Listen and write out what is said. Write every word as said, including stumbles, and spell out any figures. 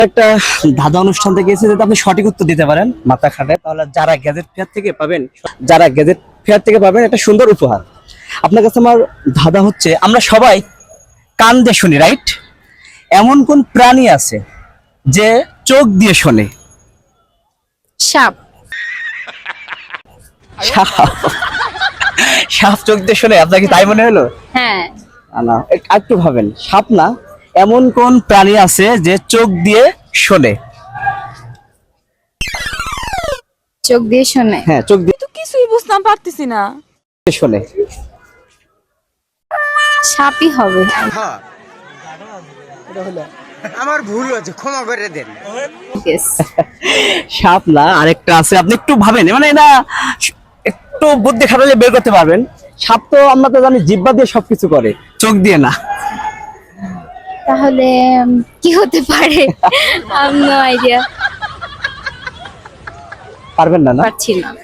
একটা ধাঁধা অনুষ্ঠান থেকে এসে যদি আপনি সঠিক উত্তর দিতে পারেন মাথা খাটে, তাহলে যারা গ্যাজেট ফেয়ার থেকে পাবেন, যারা গ্যাজেট ফেয়ার থেকে পাবেন একটা সুন্দর উপহার। আপনার কাছে আমার ধাঁধা হচ্ছে, আমরা সবাই কান দিয়ে শুনি, রাইট? এমন কোন প্রাণী আছে যে চোখ দিয়ে শোনে? সাপ। সাপ? সাপ চোখ দিয়ে শোনে? আপনার কি তাই মনে হলো? হ্যাঁ। না, একটু ভাবেন। সাপ না, এমন কোন প্রাণী আছে যে চোখ দিয়ে শোনে? চোখ দিয়ে শোনে? হ্যাঁ, চোখ দিয়ে তো কিছুই বুঝতাম পারতেছি না। শোনে। সাপই হবে। আমার ভুল হচ্ছে, ক্ষমা করে দেন। Yes. সাপ না, আরেকটা আছে, আপনি একটু ভাবেন, মানে এটা একটু বুদ্ধি খাটালে বের করতে পারবেন। সাপ তো আমরা তো জানি জিহ্বা দিয়ে সবকিছু করে, চোখ দিয়ে না। তাহলে উম, কি হতে পারে? I no idea. পারবেন না? না, পারছি না।